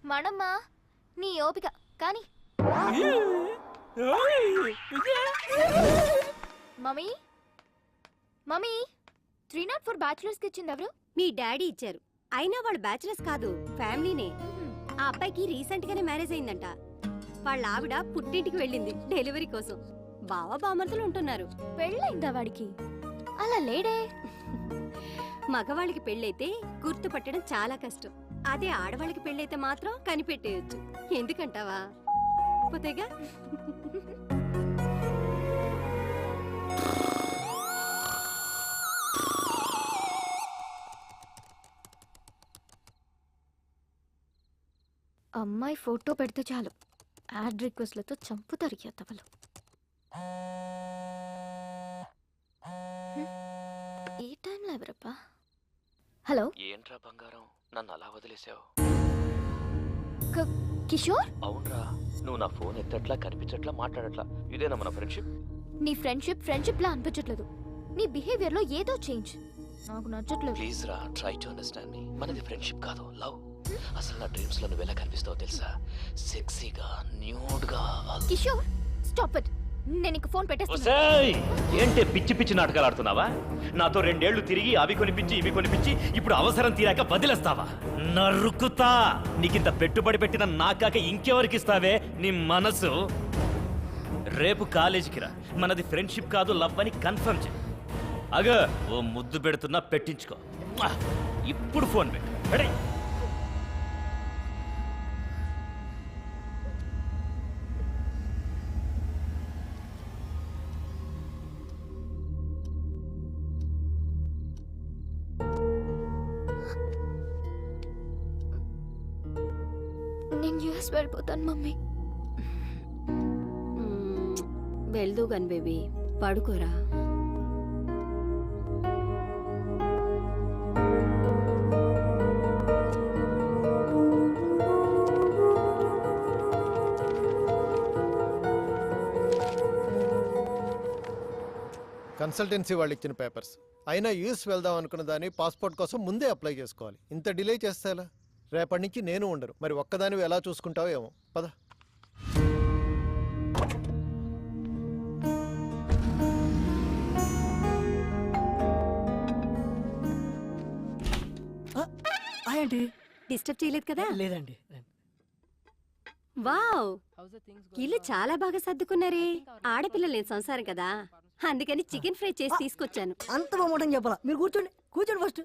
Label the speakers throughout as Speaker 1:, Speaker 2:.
Speaker 1: మణమ్మా నీ ఓపిక కానీ మమ్మీ మమ్మీ 304 బ్యాచులర్స్ కి ఇచ్చింది ఎవరు?
Speaker 2: మీ డాడీ ఇచ్చారు. అయినా వాళ్ళు బ్యాచులర్స్ కాదు, ఫ్యామిలీనే. ఆ అబ్బాయికి రీసెంట్ గానే మ్యారేజ్ అయిందంట. వాళ్ళ ఆవిడ పుట్టింటికి వెళ్ళింది డెలివరీ కోసం. బావ బామర్తులు ఉంటున్నారు.
Speaker 1: పెళ్ళైందా వాడికి? అలా లేడే.
Speaker 2: మగవాళ్ళకి పెళ్ళైతే గుర్తుపట్టడం చాలా కష్టం. అదే ఆడవాళ్ళకి పెళ్ళైతే మాత్రం కనిపెట్టేయచ్చు. ఎందుకంటావా? పోతేగా.
Speaker 1: అమ్మాయి ఫోటో పెడితే చాలు యాడ్ రిక్వెస్ట్లతో చంపుతారు ఎత్తవలు. ఈ టైంలో ఎవరప్పా? హలో,
Speaker 3: ఏంట్రా బంగారం, నన్ను అలా వదిలేసావు?
Speaker 1: కిషోర్?
Speaker 3: అవునరా, నువ్వు నా ఫోన్ ఎత్తట్లా, కనిపించట్లా, మాట్లాడట్లా. ఇదేనా మన ఫ్రెండ్షిప్?
Speaker 1: నీ ఫ్రెండ్షిప్ లా అనిపించట్లేదు. నీ బిహేవియర్ లో ఏదో చేంజ్ నాకు నచ్చట్లేదు.
Speaker 3: ప్లీజ్ రా, ట్రై టు అండర్స్టాండ్ మీ. మనది ఫ్రెండ్షిప్ కాదు, లవ్. అసలు నా డ్రీమ్స్ లో నువ్వు ఎలా కనిపిస్తావో తెలుసా? సెక్సీగా, న్యూడ్ గా.
Speaker 1: Kishore stop it. నేను ఇంక ఫోన్ పెట్టేస్తాను.
Speaker 4: ఏంటి పిచ్చి పిచ్చి నాటకాలు ఆడుతున్నావా? నాతో 2 ఏళ్లు తిరిగి అవి కొనిపించి ఇవి కొనిపించి ఇప్పుడు అవసరం తీరాక వదిలేస్తావా? నరుకుతా. నీకింత పెట్టుబడి పెట్టిన నాకాక ఇంకెవరికి ఇస్తావే నీ మనసు? రేపు కాలేజీకి రా. మనది ఫ్రెండ్షిప్ కాదు, లవ్ అని కన్ఫర్మ్ చేయి. అగ ఓ ముద్దు పెడుతున్నా, పెట్టించుకో. ఇప్పుడు ఫోన్ పెట్టు.
Speaker 1: నేను యూఎస్ వెళ్ళిపోతాను మమ్మీ.
Speaker 2: వెళ్దూ గన్ బేబీ, పడుకోరా.
Speaker 5: కన్సల్టెన్సీ వాళ్ళు ఇచ్చిన పేపర్స్ అయినా యూఎస్ వెళ్దాం అనుకున్న దాన్ని పాస్పోర్ట్ కోసం ముందే అప్లై చేసుకోవాలి. ఇంత డిలే చేస్తే ఎలా? రేపటి నుంచి నేను ఉండరు. మరి ఒక్కదానివి ఎలా చూసుకుంటావో ఏమో. పద.
Speaker 2: డిస్టర్బ్ చేయలేదు కదా?
Speaker 6: లేదండి.
Speaker 2: వావ్, ఇల్లు చాలా బాగా సర్దుకున్నారే. ఆడపిల్ల లేని సంసారం కదా, అందుకని చికెన్ ఫ్రై చేసి తీసుకొచ్చాను.
Speaker 6: అంత బాగుంటుంది చెప్పాలా? మీరు కూర్చోండి, కూర్చోండి ఫస్ట్.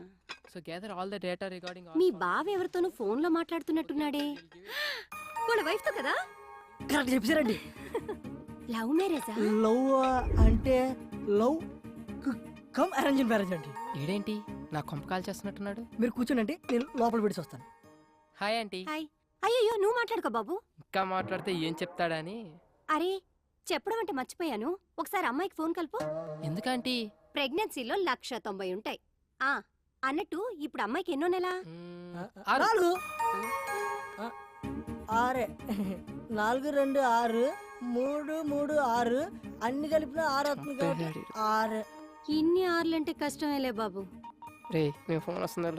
Speaker 2: మీ బావ ఎవరితోనూ ఫోన్ లో మాట్లాడుతున్నట్టున్నాడే. వాళ్ళ వైఫ్ తో కదా?
Speaker 6: కరెక్ట్ చెప్పారండి.
Speaker 2: లవ్ మ్యారేజా?
Speaker 6: లవ్ అంటే లవ్ కమ్ అరేంజ్ మ్యారేజ్ అండి.
Speaker 7: ఈడేంటి నా కొంప కాల్ చేస్తున్నట్టున్నాడు?
Speaker 6: మీరు కూర్చోండి, అంటే నేను లోపల పెట్టి వస్తాను.
Speaker 7: Hi aunty.
Speaker 2: హాయ్. అయ్యో నువ్వు మాట్లాడుకో బాబు.
Speaker 7: ఇంకా మాట్లాడితే ఏం చెప్తాడని.
Speaker 2: అరే చెప్పడం అంటే మర్చిపోయాను. ఒకసారి అమ్మాయికి ఫోన్ కలుపు.
Speaker 7: ఎందుకంటీ?
Speaker 2: ప్రెగ్నెన్సీలో 190 ఉంటాయి. ఆ అన్నట్టు ఇప్పుడు అమ్మాయికి ఎన్నో నెల?
Speaker 6: 4 6 4 2 6 3 3 6 అన్ని కలిపిన 6 అవుతుంది. 6.
Speaker 2: ఇన్ని ఆర్లంటే కష్టమేలే బాబు.
Speaker 7: రే మేము ఫోన్ వస్తున్నారు.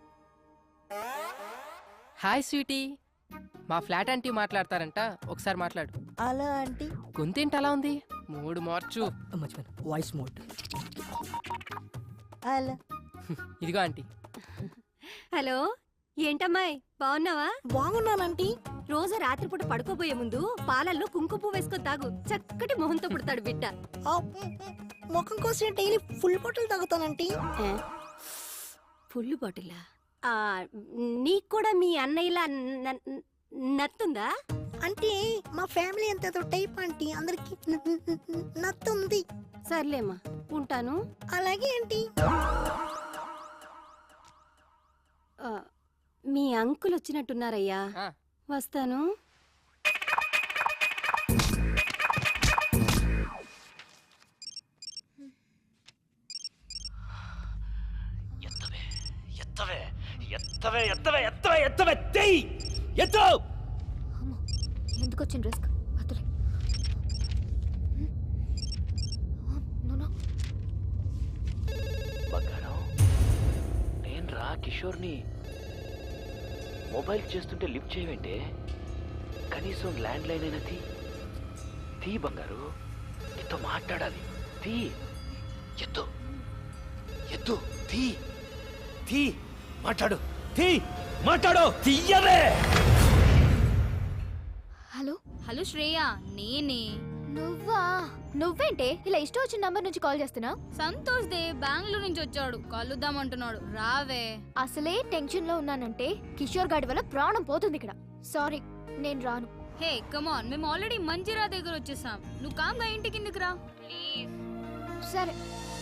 Speaker 7: హాయ్ స్వీటీ, మా ఫ్లాట్ ఆంటీ మాట్లాడతారంట, ఒకసారి మాట్లాడు.
Speaker 6: అలా ఆంటీ
Speaker 7: గొంతేంటి అలా ఉంది? మూడు మార్చు.
Speaker 6: మర్చిపోయాను, వాయిస్ మోడ్. అలా
Speaker 7: ఇదిగో ఆంటీ.
Speaker 2: హలో, ఏంటమ్మాయి బాగున్నావా?
Speaker 6: బాగున్నానంటీ.
Speaker 2: రోజు రాత్రిపూట పడుకోబోయే ముందు పాలల్లో కుంకుమ పువ్వు వేసుకొని తాగు. చక్కటి మొహంతో పుడతాడు బిడ్డ.
Speaker 6: ముఖం కోసం డైలీ ఫుల్ బాటిల్ తాగుతానంటీ.
Speaker 2: ఫుల్ బాటిలా? నీకు కూడా మీ అన్నయ్యలా నత్తుందా?
Speaker 6: అంటే మా ఫ్యామిలీ అంత టైప్ ఆంటీ, అందరికి నత్తుంది.
Speaker 2: సర్లేమ్మా, ఉంటాను.
Speaker 6: అలాగే ఆంటీ.
Speaker 2: మీ అంకుల్ వచ్చినట్టున్నారయ్యా, వస్తాను.
Speaker 1: ఎందుకు వచ్చిన రిస్క్?
Speaker 3: బంగారం, నేను రా కిషోర్ని. మొబైల్ చేస్తుంటే లిఫ్ట్ చేయవేంటే? కనీసం ల్యాండ్ లైన్ అయినా తీ బంగారు, నీతో మాట్లాడాలి. తీ, ఎత్తు ఎత్తు, తీ
Speaker 4: మాట్లాడు, మాట్లాడు, తీయవే.
Speaker 1: హలో
Speaker 8: హలో శ్రేయ, నేనే.
Speaker 1: నువ్వేంటే ఇలా ఇష్టం వచ్చిన నంబర్ నుంచి కాల్ చేస్తున్నా?
Speaker 8: సంతోష్ దే బెంగళూరు నుంచి వచ్చాడు, కలుద్దామంటున్నాడు, రావే.
Speaker 1: అసలే టెన్షన్ లో ఉన్నానంటే కిషోర్ గాడి వల్ల ప్రాణం పోతుంది ఇక్కడ. సారీ, నేను రాను.
Speaker 8: హే కమాన్, మేము ఆల్రెడీ మంజిరా దగ్గర వచ్చేసాం. నువ్వు కామ్గా ఇంటికి కిందకి రా ప్లీజ్.
Speaker 1: సరే